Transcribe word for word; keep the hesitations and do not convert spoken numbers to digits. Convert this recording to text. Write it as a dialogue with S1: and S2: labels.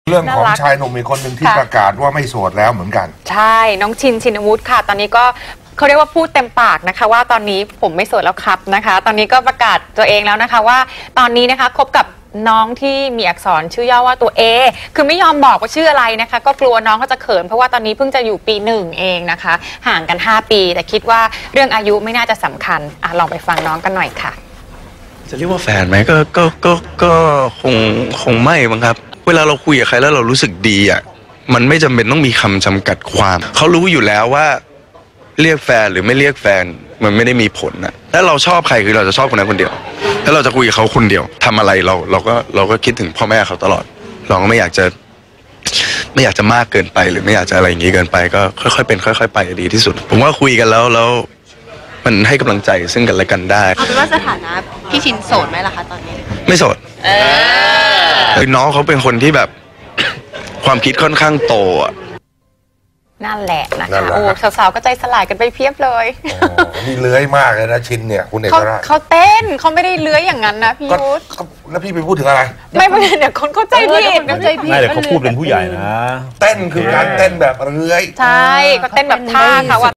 S1: เรื่องของชายหนุ่มอีกคนหนึ่งที่ประกาศว่าไม่โสดแล้วเหมือนกัน
S2: ใช่น้องชินชินวุฒิค่ะตอนนี้ก็เขาเรียกว่าพูดเต็มปากนะคะว่าตอนนี้ผมไม่โสดแล้วครับนะคะตอนนี้ก็ประกาศตัวเองแล้วนะคะว่าตอนนี้นะคะคบกับน้องที่มีอักษรชื่อย่อว่าตัว A คือไม่ยอมบอกว่าชื่ออะไรนะคะก็กลัวน้องเขาจะเขินเพราะว่าตอนนี้เพิ่งจะอยู่ปีหนึ่งเองนะคะห่างกันห้าปีแต่คิดว่าเรื่องอายุไม่น่าจะสำคัญอ่ะลองไปฟังน้องกันหน่อยค่ะ
S3: จะเรียกว่าแฟนไหมก็ก็ก็ก็คงคงไม่มั้งครับเวลาเราคุยกับใครแล้วเรารู้สึกดีอ่ะมันไม่จำเป็นต้องมีคำจำกัดความเขารู้อยู่แล้วว่าเรียกแฟนหรือไม่เรียกแฟนมันไม่ได้มีผลนะถ้าเราชอบใครคือเราจะชอบคนนั้นคนเดียวถ้าเราจะคุยกับเขาคนเดียวทำอะไรเราเราก็เราก็คิดถึงพ่อแม่เขาตลอดเราก็ไม่อยากจะไม่อยากจะมากเกินไปหรือไม่อยากจะอะไรอย่างนี้เกินไปก็ค่อยๆเป็นค่อยๆไปดีที่สุดผมว่าคุยกันแล้วแล้วมันให้กำลังใจซึ่งกันและกันได้
S4: เอาเป็นว่าสถานะพี่ชินโสดไหมล่ะคะตอนนี้
S3: ไม่โสดเออน้องเขาเป็นคนที่แบบ ความคิดค่อนข้างโตอ่ะ
S2: นั่นแหละนะคะโอ้สาวๆก็ใจสลายกันไปเพียบเลย
S1: นี่เลื้อยมากเลยนะชินเนี่ยคุณเอกราช
S2: เขาเต้นเขาไม่ได้เลื้อยอย่างนั้นนะพี่ยุทธ
S1: แล้วพี่ไปพูดถึงอะไร
S2: ไม่ไม่เดี๋ยวคนเข้าใจผิดเข้าใจผิด
S5: ไม่แต่เขาพูดเป็นผู้ใหญ่นะ
S1: เต้นคือการเต้นแบบเลื้อย
S2: ใช่ก็เต้นแบบท่าเขา